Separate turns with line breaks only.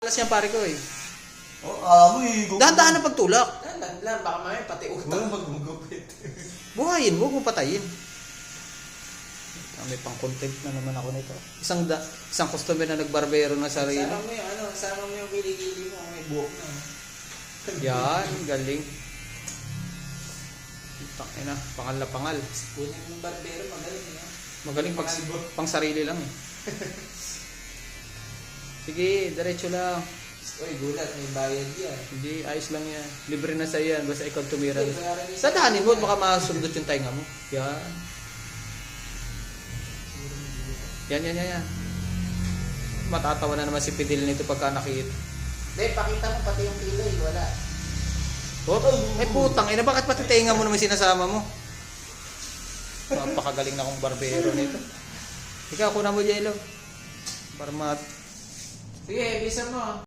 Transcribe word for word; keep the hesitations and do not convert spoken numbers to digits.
Alas yan pare ko eh.
Oh, amo eh.
Dahan-dahan na pagtulak.
Dahan lang, baka mamaya pati
Wala
utang.
magugupit.
Buhayin mo, huwag mo patayin. Ah, may pang content na naman ako nito. Isang da, isang customer na nagbarbero na sarili.
Sama mo yung ano, sama mo yung kilikili mo, may buhok na.
Yan, galing. Ina, pangal-pangal.
Kunin yung barbero, magaling yun.
Magaling pag pang sarili lang eh. Sige, diretso lang.
Uy, gulat, may bayad yan.
Hindi, ayos lang yan. Libre na sa'yo yan, basta ikaw tumira.
Hindi, bayaran niya sa-
Sadahanin mo, baka masundot yung tainga mo. Yan. Yan, yan, yan, yan. Matatawa na naman si Pidil nito pagka nakita.
Hindi, pakita mo pati yung kilay, wala.
Oh, ay putang ina, bakit pati tainga mo naman sinasama mo? Napakagaling na akong barbero nito. Ikaw, kuna mo, Jello. Para mat...
Sige, bisa mo.